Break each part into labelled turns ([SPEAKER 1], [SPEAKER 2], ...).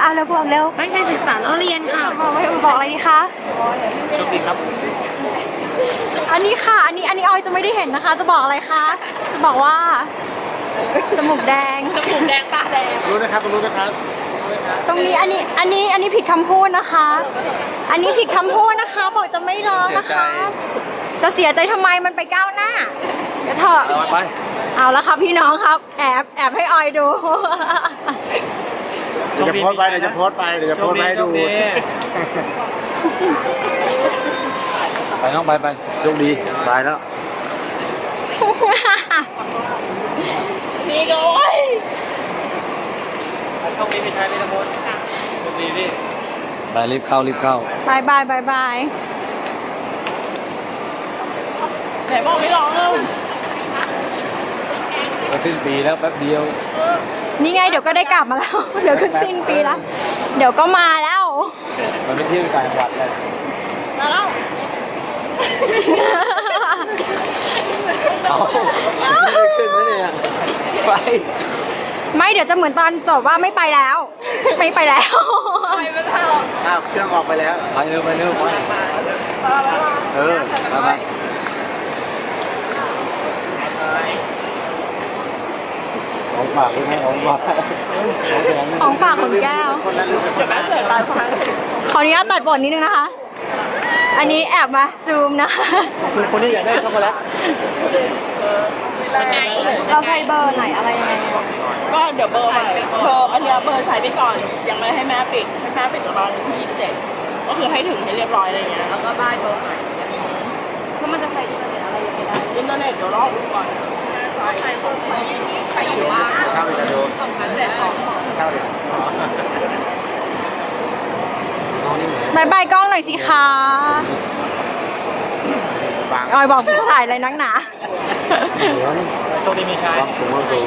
[SPEAKER 1] เอาเร็วบอกเร็ว
[SPEAKER 2] ตั้งใจศึกษาแล้วเรียนค่ะ
[SPEAKER 1] บอกอะไรดีคะ
[SPEAKER 3] โชคดีครับ
[SPEAKER 1] อันนี้ค่ะ อันนี้ออยจะไม่ได้เห็นนะคะ จะบอกอะไรคะ จะบอกว่าจมูกแดง
[SPEAKER 2] ผมแดงตาแดง
[SPEAKER 3] รู้นะครับรู้นะครับ
[SPEAKER 1] ตรงนี้อันนี้ผิดคำพูดนะคะ อันนี้ผิดคำพูดนะคะ บอกจะไม่ร้องนะคะ จะเสียใจทำไมมันไปก้าวหน้าเดี๋ยวเถอะ
[SPEAKER 3] เอาไป
[SPEAKER 1] เอาละครับพี่น้องครับ แอบให้ออยดู
[SPEAKER 3] เดี๋ยวจะโพสต์ไปเดี๋ยวจะโพสต์ไปเดี๋ยวจะโพสต์ไปให้ดูไปน้องไปโชคดีสายแล้ว
[SPEAKER 1] นี่ก็โอ้ย
[SPEAKER 3] โชคดีพี่ชายพี่ตะพลโชคดีพี่ไปรีบเข้า
[SPEAKER 1] บายบาย
[SPEAKER 2] ไหนบอกไม่ร้องเลย
[SPEAKER 3] ก็สิ้นปีแล้วแป๊บเดียว
[SPEAKER 1] นี่ไงเดี๋ยวก็ได้กลับมาแล้ว เดี๋ยวก็สิ้นปีแล้ว เดี๋ยวก็มาแล้ว
[SPEAKER 3] มันไม่เที่ยวต่างจังหวัดเลย
[SPEAKER 2] มาแล้ว
[SPEAKER 3] เอาไม่ได้ขึ้นนะเนี่ยไป
[SPEAKER 1] ไม่เดี๋ยวจะเหมือนตอนจบว่าไม่ไปแล้ว ไม่ไปแล้ว
[SPEAKER 2] ไปไม่ได้หรอก
[SPEAKER 3] อ้าวเครื่องออกไปแล้วไปเร็วไปไปของฝากด้วยนะของฝาก
[SPEAKER 1] ของฝากของแก้ว
[SPEAKER 3] คนนั้นรู้สึกจะแม่เสร็จตายพัง
[SPEAKER 1] ขออนุญาตตัดบทนิดนึงนะคะ อันนี้แอบมาซูมนะคะ
[SPEAKER 3] คนที่อยากได้ช็อกโกแลต
[SPEAKER 1] เราใช้เบอร์ไหนอะไรยังไง
[SPEAKER 2] ก็เดี๋ยวเบอร์ใหม่เบอร์อันเนี้ยเบอร์ใช้ไปก่อน ยังไม่ให้แม่ปิดให้แม่ปิดตอนที่27ก็คือให้ถึงให้เรียบร้อยอะไรเงี้ยแล้วก็บ้ายเบอร์ใหม่
[SPEAKER 1] แล้วมันจะใช้อินเทอร์เน็ตอะไรยังไงได้
[SPEAKER 2] อินเทอร์เน็ตเดี๋ยวรอดูก่อนใช้ของใช้อยู่บ้าน
[SPEAKER 3] เช่าเลยจะดู
[SPEAKER 2] เสร็จของ
[SPEAKER 3] เช่าเลยน้องนี่เหมือน
[SPEAKER 1] บายบายกล้องหน่อยสิคะ
[SPEAKER 3] บาง
[SPEAKER 1] ออยบอกถ่ายอะไรนักหนา
[SPEAKER 3] โชคดีมีชายความสูงความสูง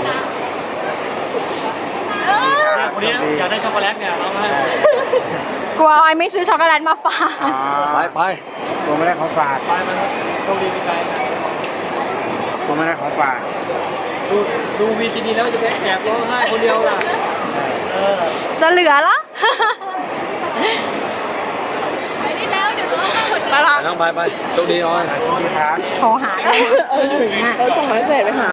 [SPEAKER 4] คนนี้อยากได้ช็อกโกแลตเนี่ยเราให้
[SPEAKER 1] กลัวออยไม่ซื้อช็อกโกแลตมาฝาก
[SPEAKER 3] ไปตัวไม่ได้ของฝาก
[SPEAKER 4] ไปมันโชคดีมีใจ
[SPEAKER 3] ตัวไม่ได้ของฝาก
[SPEAKER 4] ดูVCD แล้วจะไปแอบร้องไห้คนเดียวล่ะ
[SPEAKER 1] จะเหลือเหรอ
[SPEAKER 2] ไปนี่แล้วเดี๋ยวรอหมด
[SPEAKER 1] ไปละ
[SPEAKER 3] น้องไปโชคดีน้อย
[SPEAKER 1] โทรหาเลย
[SPEAKER 2] ต้องให้เสร็จไปหา